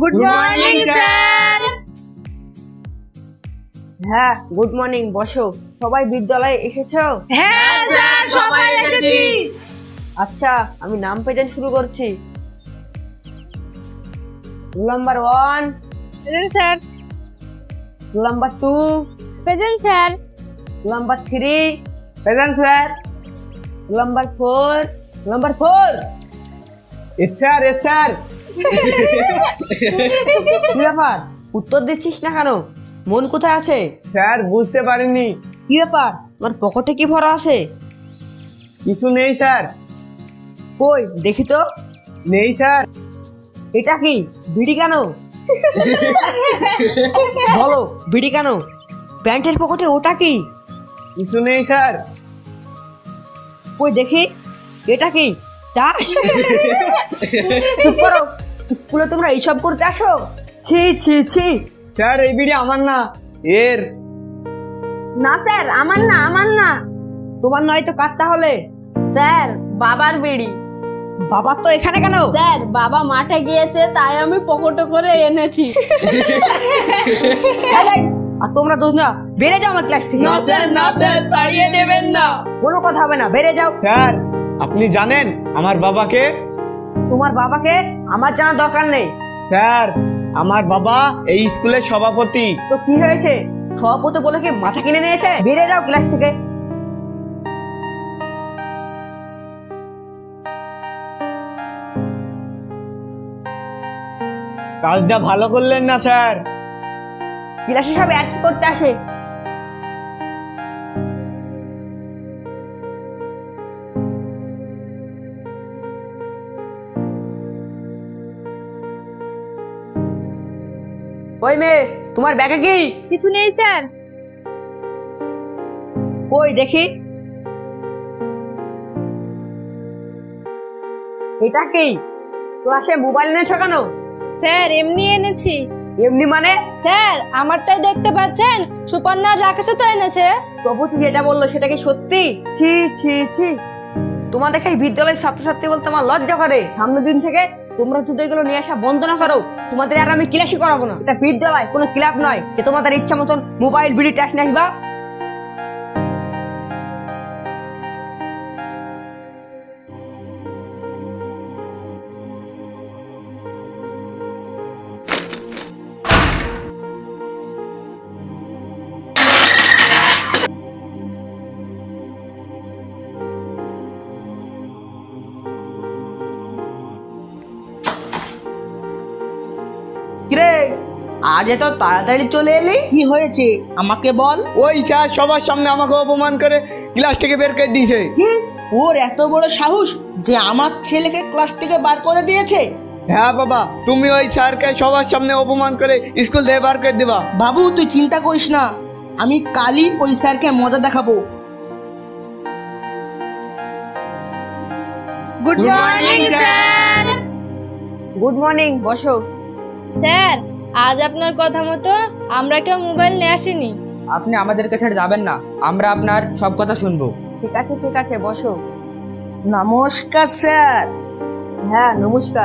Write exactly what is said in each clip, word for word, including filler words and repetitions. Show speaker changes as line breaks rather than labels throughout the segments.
Good morning sir.
হ্যাঁ, good morning. বসো। সবাই বিদ্যালয়ে এসেছো?
হ্যাঁ স্যার, সবাই এসেছি।
আচ্ছা, আমি নাম প্রেজেন্ট শুরু করছি। Roll number one,
present sir.
Roll number two,
present sir.
Roll number three, present sir. Roll number four, roll number four.
Yes sir, yes sir.
কি ব্যাপার, উত্তর দিচ্ছিস না কেন? মন কোথায় আছে?
স্যার বুঝতে পারিনি।
কি ব্যাপার, তোমার পকেটে কি ভরা আছে?
কিছু নেই স্যার।
কই দেখি তো।
নেই স্যার।
এটা কি বিড়ি কেন? বলো, বিড়ি কেন? প্যান্টের পকেটে ওটা কি?
কিছু নেই স্যার।
কই দেখি, এটা কি তাস? চুপ করো, স্কুলে তোমরা এইসব করতে আসো? ছি ছি ছি।
স্যার এই বিড়ি আমার না, এর।
না স্যার, আমার না, আমার না।
তোমার নয় তো কার তাহলে?
স্যার, বাবার বিড়ি।
বাবা তো এখানে কেন?
স্যার, বাবা মাঠে গিয়েছে, তাই আমি পকেটে করে এনেছি।
এই, এই, আর তোমরা দোষ না, বেড়ে যাও আমার ক্লাস থেকে।
না স্যার, না স্যার, তাড়িয়ে দেবেন না।
কোনো কথা হবে না, বেড়ে যাও।
স্যার আপনি জানেন আমার বাবাকে?
তোমার বাবাকে আমার জানার দরকার নেই।
স্যার আমার বাবা এই স্কুলের সভাপতি।
তো কি হয়েছে? সভাপতি বলে কি মাথা কিনে নিয়েছে? বেড়ে যাও ক্লাস থেকে।
কাজটা ভালো করলেন না স্যার।
ক্লাসে সব অ্যাড করতে আসে। ওই মেয়ে, তোমার ব্যাগে কি?
কিছু নেই স্যার।
কই দেখি। এটা কি? ক্লাসে মোবাইল এনেছো কেন?
স্যার, এমনি এনেছি।
এমনি মানে?
স্যার, আমারটাই দেখতে পাচ্ছেন, সুপর্ণার রাকেশও তো এনেছে।
প্রভুতি যেটা বললো সেটা কি সত্যি? ছি ছি ছি। তোমাদের এই বিদ্যালয়ের ছাত্রছাত্রী বলতে আমার লজ্জা করে। সামনের দিন থেকে তোমরা যদি এগুলো নিয়ে আসা বন্ধ না করো, তোমাদের আর আমি ক্লাসই করাবো না। এটা বিদ্যালয়, কোনো ক্লাব নয় যে তোমাদের ইচ্ছা মতন মোবাইল বিড়ি টাচ নিয়ে আসবা।
কিরে, আজ এত তাড়াতাড়ি চলে এলি, কি হয়েছে আমাকে বল।
ওই স্যার সবার সামনে আমাকে অপমান করে ক্লাস থেকে বের করে দিয়েছে।
হুম, ওর এত বড় সাহস যে আমার ছেলেকে ক্লাস থেকে বার করে দিয়েছে।
হ্যাঁ বাবা, তুমি ওই স্যারকে সবার সামনে অপমান করে স্কুল থেকে বার করে দিবা।
বাবু তুই চিন্তা করিস না, আমি কালই ওই স্যারকে মজা দেখাবো।
Good morning sir.
Good morning, বসো।
স্যার, আজ আপনার কথা মতো আমরা কেউ মোবাইল নিয়ে আসিনি।
আপনি আমাদেরকে ছেড়ে যাবেন না, আমরা আপনার সব কথা শুনবো।
ঠিক আছে ঠিক আছে, বসো।
নমস্কার স্যার।
হ্যাঁ নমস্কার।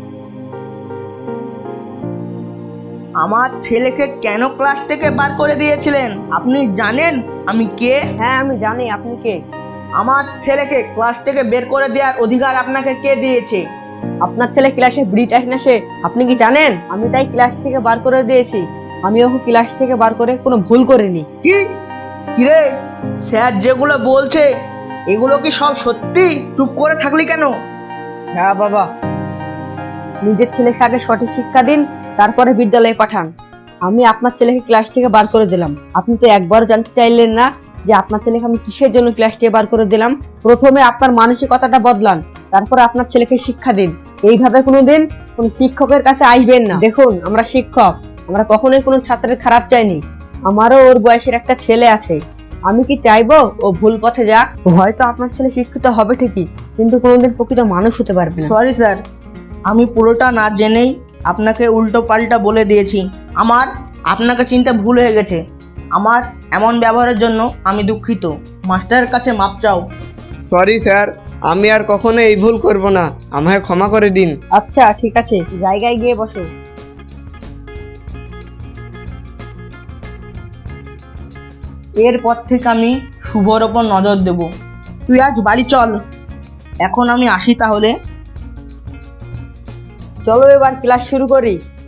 আমার ছেলেকে কেন ক্লাস থেকে বার করে দিয়েছিলেন আপনি জানেন আমি কে?
হ্যাঁ আমি জানি আপনি কে।
আমার ছেলেকে ক্লাস থেকে বের করে দেওয়ার অধিকার আপনাকে কে দিয়েছে?
আপনার ছেলে ক্লাসে বিড়ি টাচ নেশে, আপনি কি জানেন? আমি তাই ক্লাস থেকে বার করে দিয়েছি। আমি ওকে ক্লাস থেকে বার করে কোনো ভুল করিনি।
কি কিরে, স্যার যেগুলো বলছে এগুলো কি সব সত্যি? চুপ করে থাকলি কেন?
হ্যাঁ বাবা।
নিজের ছেলেকে আগে সঠিক শিক্ষা দিন, তারপরে বিদ্যালয়ে পাঠান। আমি আপনার ছেলেকে ক্লাস থেকে বার করে দিলাম। আপনি তো একবার জানতে চাইলেন না যে আপনার ছেলেকে আমি কিসের জন্য ক্লাস থেকে বার করে দিলাম। প্রথমে আপনার মানসিকতাটা বদলান, তারপরে আপনার ছেলেকে শিক্ষা দিন। এইভাবে কোনোদিন কোন শিক্ষকের কাছে আসবেন না। দেখুন, আমরা শিক্ষক, আমরা কখনোই কোনো ছাত্রের খারাপ চাইনি। আমারও ওর বয়সের একটা ছেলে আছে। আমি কি চাইবো ও ভুল পথে যাক? হয়তো আপনার ছেলে শিক্ষিত হবে ঠিকই, কিন্তু কোনোদিন প্রকৃত মানুষ হতে পারবে না।
সরি স্যার, আমি পুরোটা না জেনেই আপনাকে উল্টো পাল্টা বলে দিয়েছি। আমার আপনাকে চিন্তা ভুল হয়ে গেছে। আমার এমন ব্যবহারের জন্য আমি দুঃখিত। মাস্টারের কাছে মাপ চাও।
সরি স্যার, আমি আর কখনো এই ভুল করব না, আমায় ক্ষমা করে দিন।
আচ্ছা ঠিক আছে, জায়গায় গিয়ে বসো।
এরপর থেকে আমি শুভর ওপর নজর দেব। তুই আজ বাড়ি চল, এখন আমি আসি তাহলে।
চলো এবার ক্লাস শুরু করি।